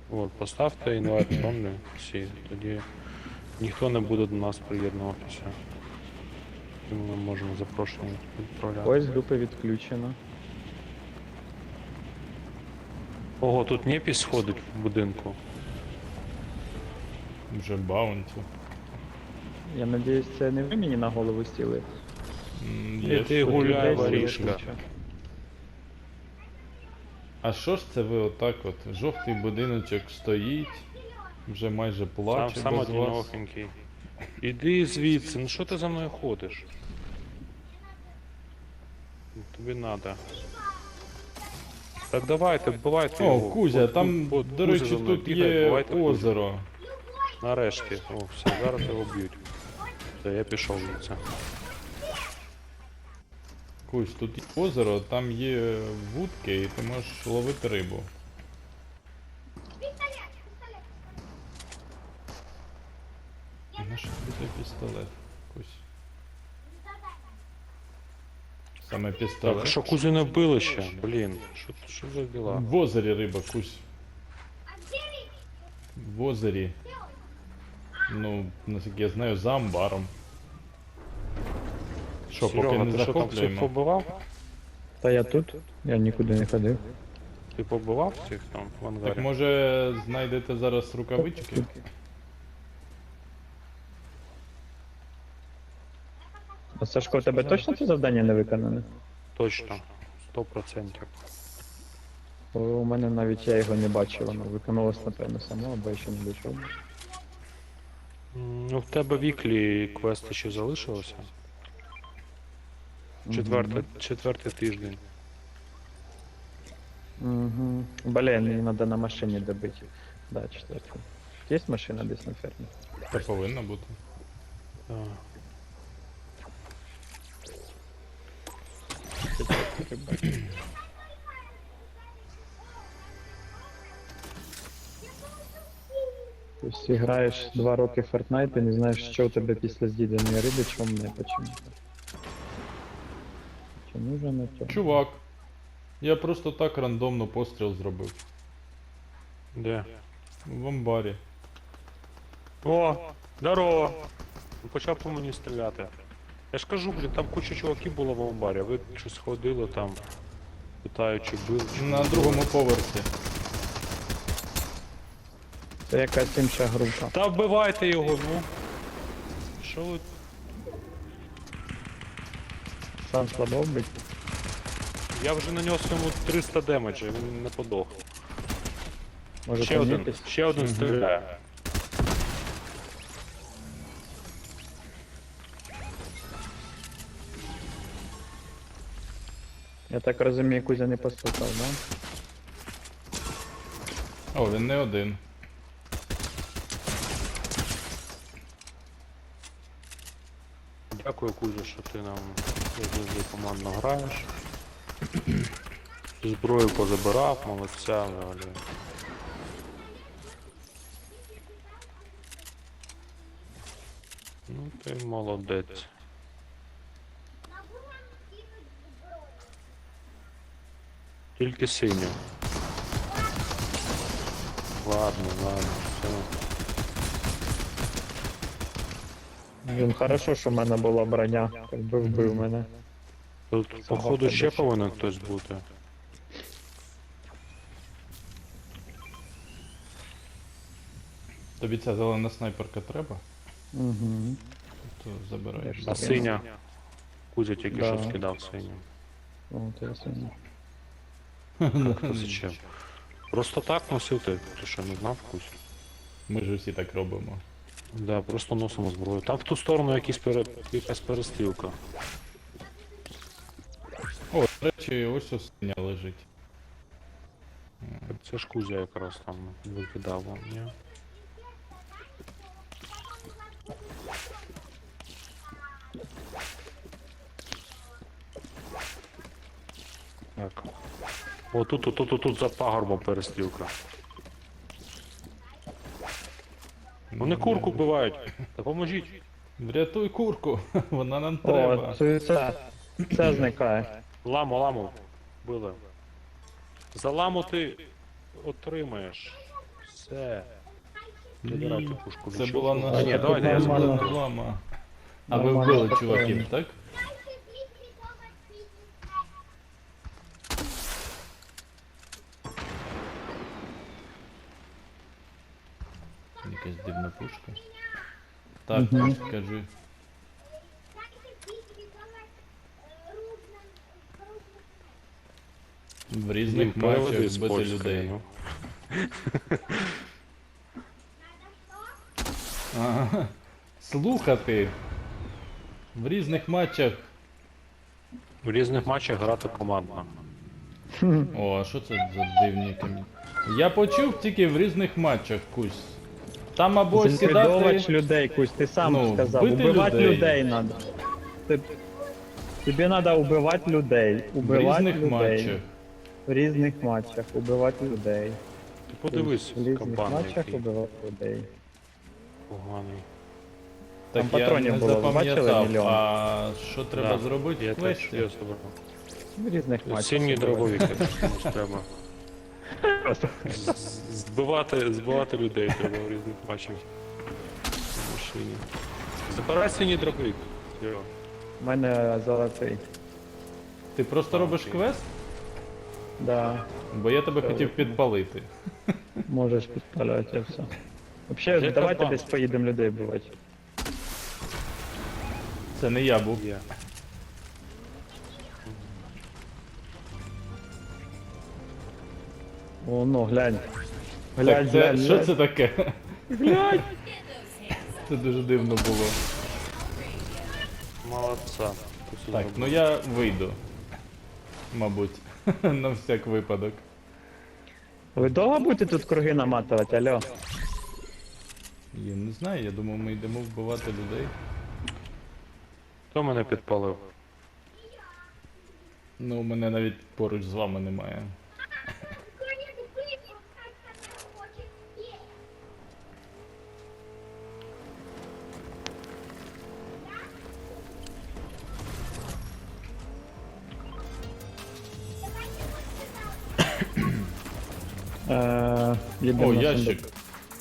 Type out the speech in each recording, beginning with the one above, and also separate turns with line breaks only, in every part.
От, поставте інвайт only всі, тоді ніхто не буде до нас приєднуватися. І ми можемо запрошення відправляти.
Ось групи відключено.
Ого, тут Непіс ходить в будинку.
Вже баунті.
Я надіюсь, це не ви мені на голову стіли.
Іди гуляй, воришка.
А що ж це ви отак от? Жовтий будиночок стоїть, вже майже плаче
Сам
без вас.
одинохенький. Іди звідси, ну що ти за мною ходиш? Тобі надо. Так давайте, вбивайте
О,
його.
Кузя, там,
От
до
Кузя
речі,
за мною
тут
бігає,
є
вбивайте Кузю.
озеро.
Нарешті. О, все, зараз його б'ють. Все, я пішов звідси.
Кузь, тут є озеро, там є вудки і ти можеш ловити рибу. На що тобі той пістолет, Кузь? Саме пістолет.
Так, що Кузю не вбили ще? Блін, що за діла?
В озері риба, Кузь. В озері. Ну, наскільки я знаю, за амбаром. Що, поки
Серега,
не
ти що там всіх
захоплюємо?
побивав?
Та я тут, я нікуди не ходив.
Ти побивав всіх там в ангарі?
Так може знайдете зараз рукавички?
А Сашко, у тебе точно це завдання не виконане?
Точно. 100%.
Бо у мене навіть я його не бачив, воно виконувалось, напевно, само, або я ще не дійшов.
Ну, в тебе віклі квести ще залишилося? Четвертий тиждень.
Угу. Блін, мені треба на машині добити. Да, четвертий. Є машина десь на фермі?
Та повинно бути.
Так.
Тобто граєш 2 роки в Fortnite і не знаєш, що у тебе після з'їденої риби, чому не почему. Чому ж не то?
Чувак, я просто так рандомно постріл зробив.
Де?
В амбарі.
О, здорово! Почав по мені стріляти. Я ж кажу, блін, там куча чуваків було в амбарі, а ви щось ходили там, питають, чи били, чи
На
не
другому
били.
поверсі.
Це якась інша група.
Та вбивайте його, ну. Що ви?
Сам слабо вбить.
Я вже нанес йому 300 демеджа, він не подох.
Може
Ще
там
один,
якийсь?
ще один стріляє.
Я так розумію, Кузя не послухав, да?
О, він не один.
Дякую, Кузя, що ти нам завжди командно граєш. Зброю позабирав, молодця, взагалі. Ну ти молодець. Тільки синю. Ладно, все.
Він хорошо, що в мене була броня, якби вбив мене.
Тут, походу, ще повинен хтось бути.
Тобі ця зелена снайперка треба?
Угу.
То забираєш.
Я
А
ж
синя? Кузя тільки
Да.
що скидав синю.
О, це сильно.
Хто зачем? Просто так носив ти що не знав Кузь?
Ми ж усі так робимо.
Да, просто носимо зброю. Там в ту сторону якась перестрілка.
О, до речі, ось ось синя лежить.
Так це ж Кузя якраз там викидав вам, ні? Так. О, тут за пагорбом перестрілка. Вони курку вбивають. Допоможіть.
Врятуй курку, вона нам треба.
О, це зникає.
Ламу. Били. За ламу ти отримаєш. Все. Забирайте пушку.
Це
лічилку.
була
А,
наша
ні, давайте я
нормально.
заберу.
реклама. А ви
Нормально,
вбили
спокійно.
чуваків, так? Якась дивна пушка. Так,
Мгм.
кажи. В різних
Блін, переведи
матчах
з
бити
польської,
людей.
ну.
Ага. Слухати. В різних матчах.
В різних матчах грати командно.
О, а що це за дивні камінь? Я почув тільки в різних матчах, Кусь. Там або
Зліквідовувати
сідати.
людей, Кусь, ти сам
Ну,
сказав.
вбити
Убивати
людей.
людей надо. Ти... Тобі треба убивати людей.
В
Убивати
різних
людей.
матчах.
В різних матчах. Убивати людей.
Ти подивись,
В різних
кабан
матчах
який
убивати людей.
поганий.
Так
Там
я
патронів
не
було, бачили,
запам'ятав,
мільйон?
а що треба
Да,
зробити
Я
в
теж
квесті?
я забрав.
В різних матчах.
Синій
убивати.
дробовик, комусь треба. Збивати людей треба в різних матчах. В машині. Забирай синій дробовик. Серьо.
У мене золотий.
Ти просто робиш квест?
Да.
Бо я тебе хотів підпалити.
Можеш підпалювати все. Взагалі,
Де
давайте
кабан?
десь поїдемо людей вбивати.
Це не я був.
Є.
О, ну, глянь.
Так,
Глянь,
це,
глянь,
що
глянь.
це таке? Це дуже дивно було.
Молодца. Ти все
Так,
зробив.
ну я вийду. Мабуть. На всяк випадок.
Ви довго будете тут круги наматувати, алло?
Я не знаю, я думав, ми йдемо вбивати людей.
Хто мене підпалив?
Ну, у мене навіть поруч з вами немає.
Їдемо
О,
на
ящик.
сундук.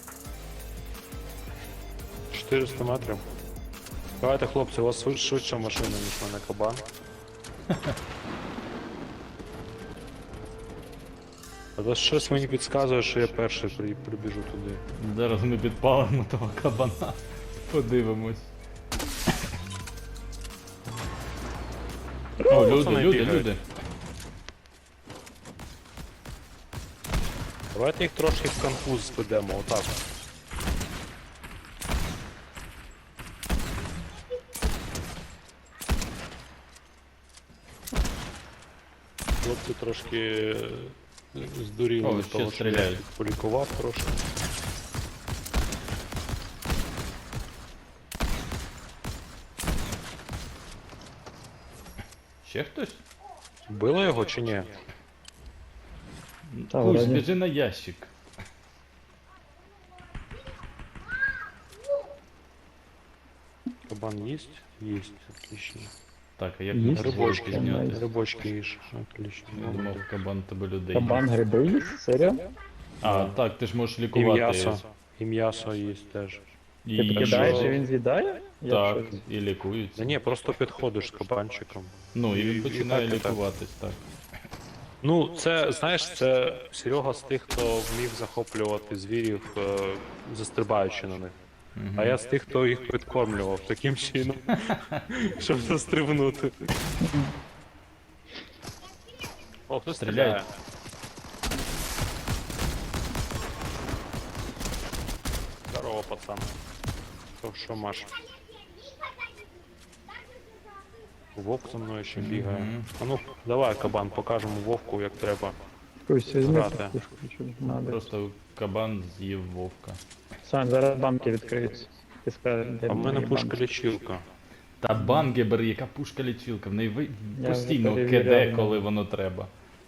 400 метрів. Давайте, хлопці, у вас швидша машина, ніж в мене кабан. Але щось мені підказує, що я перший прибіжу туди.
Зараз ми підпалимо того кабана. Подивимось. О, люди,
пацани
люди,
бігають.
люди.
Давайте їх трошки в конфуз зведемо, отак. Хлопці трошки здуріли
О,
від
ще
того, що я
стріляють.
їх полікував трошки.
Ще хтось?
Вбило його чи ні?
Та,
Кусь,
вроді.
біжи на ящик.
Кабан есть? Есть, отлично.
Так, а як
Є
ми
рибочки,
рибочки
Рыбочки,
Рыбочки,
зняти?
найс.
рыбочки ешь, отлично.
Я думав, кабан тебе людей.
Кабан гриби їсть? Серйозно?
А, так, ти ж можеш
І
лікувати.
м'ясо. І м'ясо есть теж.
І
Ти кидаєш
що?
і він з'їдає? Я
Так,
щось-
і лікується.
Да ні, просто підходиш з кабанчиком.
Ну, і
І-
він
і
починає
так, і так.
лікуватись, так.
Ну, це, знаєш, це Серега з тих, хто вмів захоплювати звірів, застрибаючи на них. А я з тих, хто їх підкормлював таким чином, щоб застрибнути. О, хто стріляє?
Стріляй.
Здорово, пацан. Що Маш? Вовк за мною ще бігає.
Мгм.
А ну, давай, кабан, покажемо вовку, як треба.
Кусь, візьми
Грати.
цю пушку, що надо.
Просто кабан з'їв вовка.
Сань, зараз банки відкриються. Ти скажеш, де
А в мене
мої
пушка
банки.
лічилка.
Та бангебер, яка пушка лічилка, в неї
Я
постійно
вже
киде,
перевіряв,
коли
ну.
воно треба.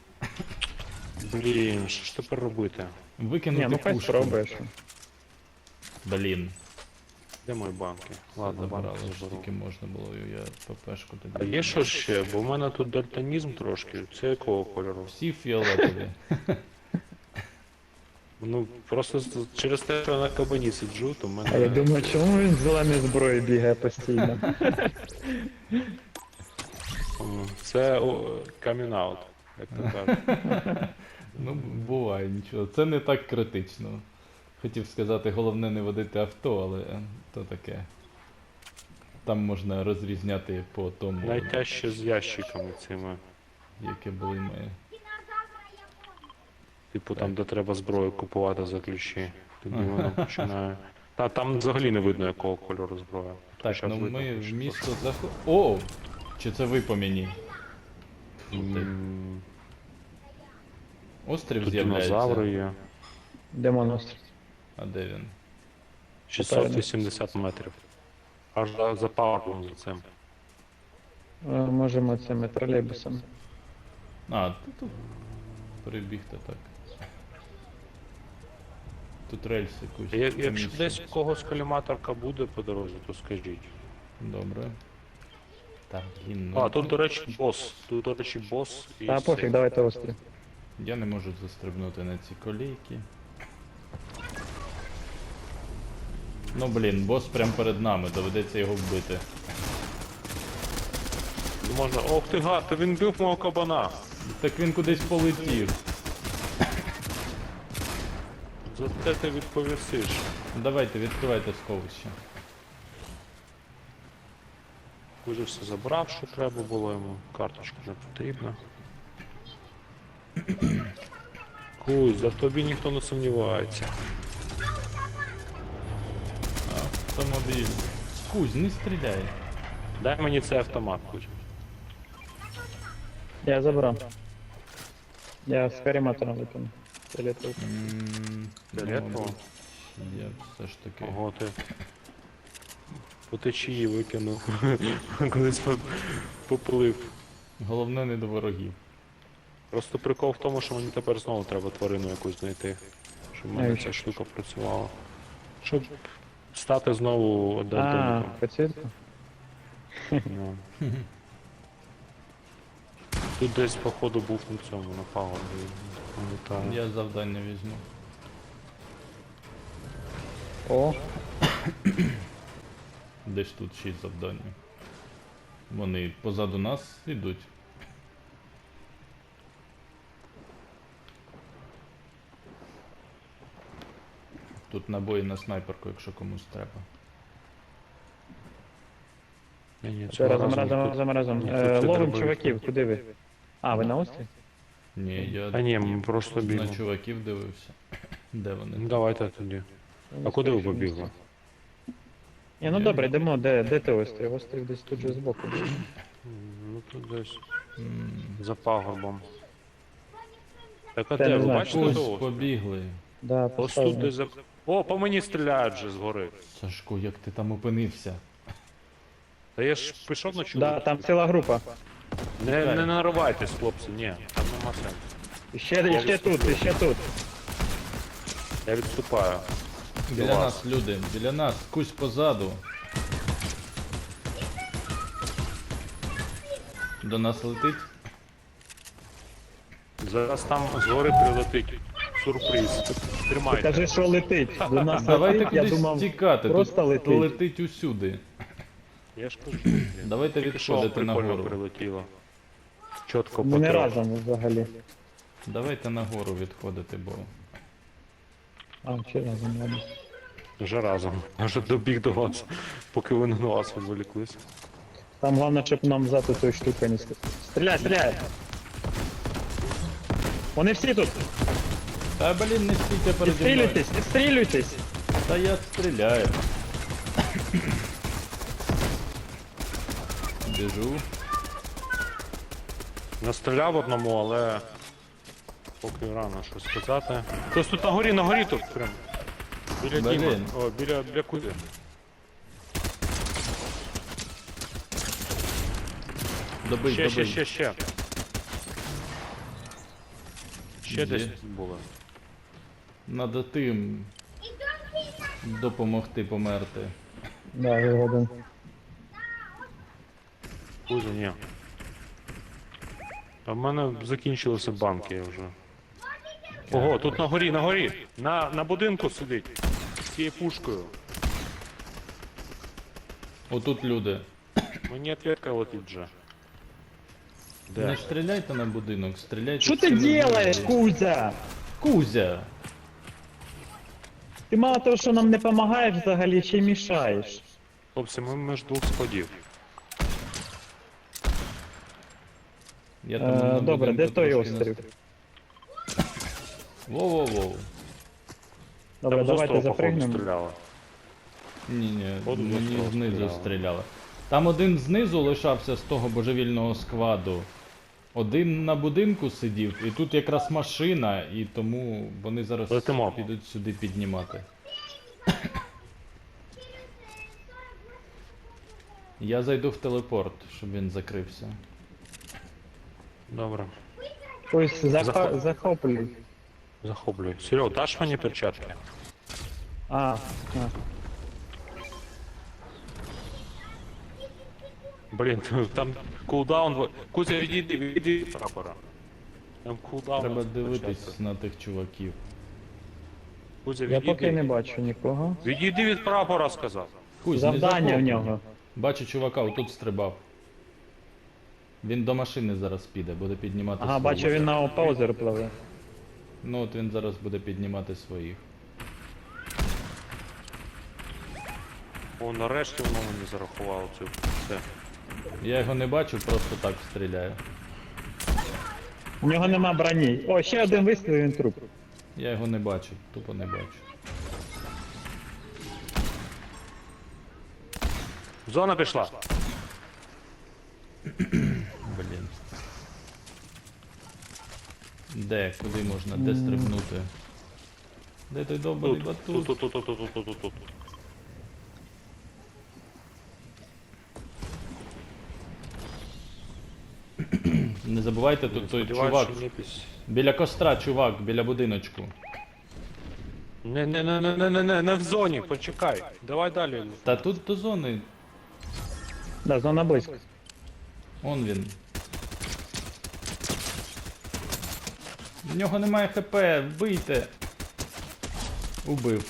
Блін, що ж тепер робити?
Викинути
Ні, ну хай
пушку.
спробуєш.
Блін,
Де мої банки? Ладно,
забрали,
банки
що
заберу.
тільки можна було, я ППшку
А
тоді.
є що ще? Бо в мене тут дальтонізм трошки. Це якого кольору?
Всі фіолетові.
Ну, просто через те, що я на кабані сиджу, то в
А я
мене...
думаю, чому він з зеленою зброєю бігає постійно?
Це камін-аут, як то кажуть.
Ну, буває нічого. Це не так критично. Хотів сказати, головне не водити авто, але то таке. Там можна розрізняти по тому,
Найтяжче з ящиками цими.
яке були ми.
Типу там, де треба зброю купувати за ключі. Тоді воно починає. Та там взагалі не видно, якого кольору зброя.
Так,
Щас
ну
видно,
ми
хоч
в місто заход... О! Чи це ви по мені? Острів
Тут
з'являється.
динозаври є.
Де монстр?
А де він?
680 метрів. Аж за пауером за цим.
Можемо цими тролейбусами.
А, тут перебігти так. Тут рельси якусь.
Якщо
поміщені.
десь у когось коліматорка буде по дорозі, то скажіть.
Добре. Так, блін, ну...
А, тут, до речі, бос. Тут, до речі, бос і
Та пофіг,
цей.
давайте острів.
Я не можу застрибнути на ці колійки. Ну блін, бос прям перед нами, доведеться його вбити.
Можна. Ох ти гад, та він бив мого кабана.
Так він кудись полетів.
За те ти відповісиш.
Давайте, відкривайте сховище.
Уже все забрав, що треба було йому. Карточка не потрібна. Кузь, за тобі ніхто не сумнівається.
Автомобіль. Кузь, не стріляй.
Дай мені цей автомат, Кузь.
Я забрав. Я з каріматором викину. Фіолетовий.
Фіолетово?
мабуть, я все ж таки.
Ого, ти по течії викинув. Колись попилив.
Головне не до ворогів.
Просто прикол в тому, що мені тепер знову треба тварину якусь знайти. Щоб в мене
Навіщо?
ця штука працювала. Щоб стати знову
А,
дальтоніком.
підсвітку?
Ну. Тут десь, походу, був на цьому, на пагорбі. Пам'ятаю.
Я завдання візьму.
О,
Де ж тут 6 завдань? Вони позаду нас йдуть. Тут набої на снайперку, якщо комусь треба.
Ні,
це
цього
разом,
разу
разом,
ніхто-
разом, разом.
ніхто це
Ловим
дробовик.
чуваків, куди ви? А, ви на острові?
Ні, я
А ні, ми просто
на
бігли.
чуваків дивився. Де вони?
Ну давайте тоді. А куди ви побігли?
Ні, ну добре, йдемо, де ти острів? Острів десь тут же збоку.
Ну тут десь
М,
за пагорбом. Так а
Та
де?
не
Ви
знаю,
бачите
Ось
того?
побігли.
Да,
Ось тут
поставлю.
десь за... О, по мені стріляють вже згори.
Сашко, як ти там опинився?
Та я ж пішов на чоловік.
Да, там ціла група.
Не наривайтесь, хлопці, ні, там нема сенсу.
І ще тут, і ще тут.
Я відступаю.
Біля
вас.
нас люди, біля нас, кусь позаду. До нас летить.
Зараз там згори прилетить сюрприз. Тримайте.
Кажи, що летить. До нас
Давайте
летить, я
кудись
думав,
тікати,
просто
тут
летить.
летить усюди.
Я ж кажу, блін.
Давайте
Тільки що
відходити
прикольно
нагору.
прилетіло. Чітко
ми не
по трьох.
разом взагалі.
Давайте нагору відходити, бо
А, чи разом, ладно.
Вже разом. Вже добіг до вас, поки ви на вас відволіклись.
Там головне, щоб нам взяти ту штуку не стріляй, стріляй! Вони всі тут!
Та блін, не стійте переді мною.
Відстрілюйтесь, відстрілюйтесь!
Та я стріляю. Біжу.
Настріляв одному, але поки рано щось сказати. Хтось тут на горі тут прям. Біля
Блін.
Діма. О, біля куди?
Добий,
Ще.
добий.
Ще
Є.
десь було.
Надо тим допомогти померти.
Да, вигоден.
Кузя, ні. А в мене закінчилися банки вже.
таке.
Ого, тут на горі, на горі. На будинку сидить. З цією пушкою.
Отут люди.
Мені ответка летить вже.
Не
Де?
стріляйте на будинок, стріляйте.
Що
в
ти
стіну
делаєш,
будинку.
Кузя?
Кузя!
Ти мало того, що нам не допомагаєш взагалі, ще й мішаєш.
Хлопці, ми між двох сходів.
Я там на
Добре, де
будинку
той
трошки
острів?
Воу-воу-воу.
Добре,
Там з
давайте
острова, походу,
запригнемо.
стріляли.
Ні,
Походу, з
мені
острова
знизу
стріляли.
стріляли. Там один знизу лишався з того божевільного складу. Один на будинку сидів, і тут якраз машина, і тому вони зараз
Летимо.
підуть сюди піднімати. Я зайду в телепорт, щоб він закрився.
Добре.
Ось
Захоп-
захоплюй.
Захоплюю. Серег, даш мені перчатки?
А.
Блін, там кулдаун. Кузя, відійди від прапора. Там кулдаун.
Треба
почався.
дивитись на тих чуваків.
Кузя,
Я
відійди.
поки не бачу нікого.
Відійди від прапора, сказав.
Кузь, не
Завдання в
захоплюй.
нього.
Бачу чувака, отут стрибав. Він до машини зараз піде, буде піднімати
Ага,
своїх.
бачу, він на паузер пливе.
Ну от він зараз буде піднімати своїх.
О, нарешті воно мені зарахувало цю. Все.
Я його не бачу, просто так стріляю.
У нього нема броні. О, ще один вистріл, він труп.
Я його не бачу, тупо не бачу.
Зона пішла.
Блін. Де? Куди можна? Де стрибнути? Де той довбаний
Тут,
батут?
тут, тут, тут, тут, тут, тут, тут.
Не забувайте, тут той
Сподіваюсь,
чувак.
що не піс-
Біля костра, чувак, біля будиночку.
Не в зоні, почекай. Давай далі.
Та тут до зони.
Да, зона близько.
Он він. В нього немає хп, вбийте. Убив.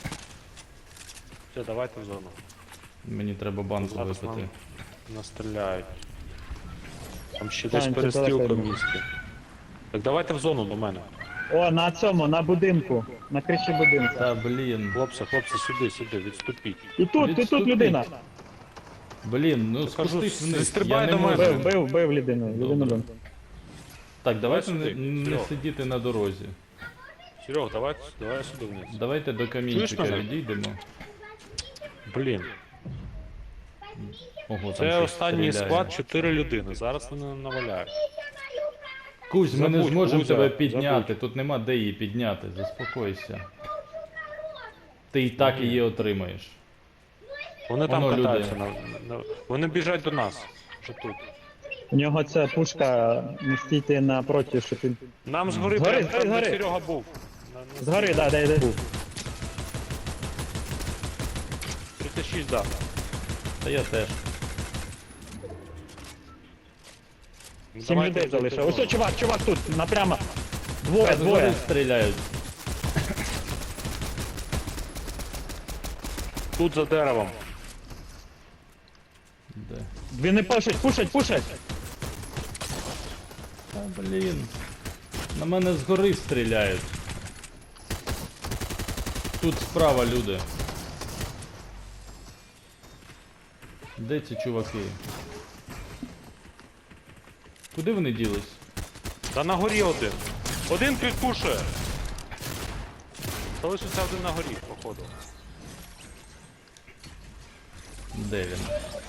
Все, давайте в зону.
Мені треба банку
Зараз
випити.
нам настріляють. Там ще
Та,
десь
він тут
перестрілка в
далеко.
місті. Так давайте в зону до мене.
О, на цьому, на будинку. На криші будинку.
Та блін.
Хлопці, сюди, відступіть.
І тут
Відступіть.
людина.
Блін, ну
кажу,
спустись вниз.
стрибай
Я не
до мене.
можу.
Бив людину. Людину
Добре.
бив.
Так, давайте
сюди,
не
Серьог.
сидіти на дорозі.
Серег, давай сюди вниз.
Давайте до камінчика
мене?
відійдемо.
Блін,
Ого, там
це
щось
останній
стріляє.
склад 4 людини. Зараз вони наваляють.
Кузь, ми не
Забудь,
зможемо
Кузя,
тебе підняти,
забудь.
тут нема де її підняти, заспокойся. Ти і так її отримаєш.
Вони там
Воно люди.
катаються. Вони біжать до нас. Вже тут.
У нього ця пушка не стійте напроти, що ти.
Нам згори,
Згори,
прям там, де
згори.
Серега був.
Згори, да, де був.
36, да.
Та я теж.
Ну,
7
давайте
людей
в зону.
залишилось. Ось чувак тут, напрямо. Двоє,
Та згори
двоє.
стріляють.
Тут за деревом.
Де?
Вони пушать.
Та блін. На мене згори стріляють. Тут справа люди. Де ці чуваки? Куди вони ділись?
Та на горі один. Один підпушує. Залишився один на горі, походу.
Де він?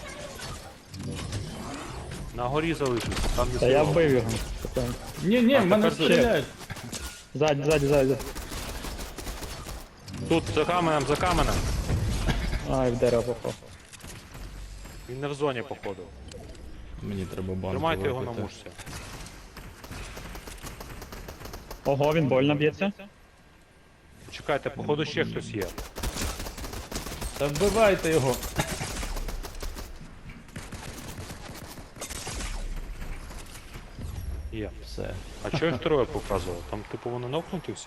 На горі залишився, там не
Та я
Серега.
вбив його.
Ні, в мене
тепер
стріляють.
Ззаді.
Тут, за каменем.
Ай, в дерево попав.
Він не в зоні, походу.
Мені треба банку
Тримайте його на
випити.
мушці.
Ого, він больно б'ється.
Чекайте, походу ще хтось є.
Та вбивайте його.
Є.
Все.
А чого їх троє показував? Там, типу, вони нокнуті всі?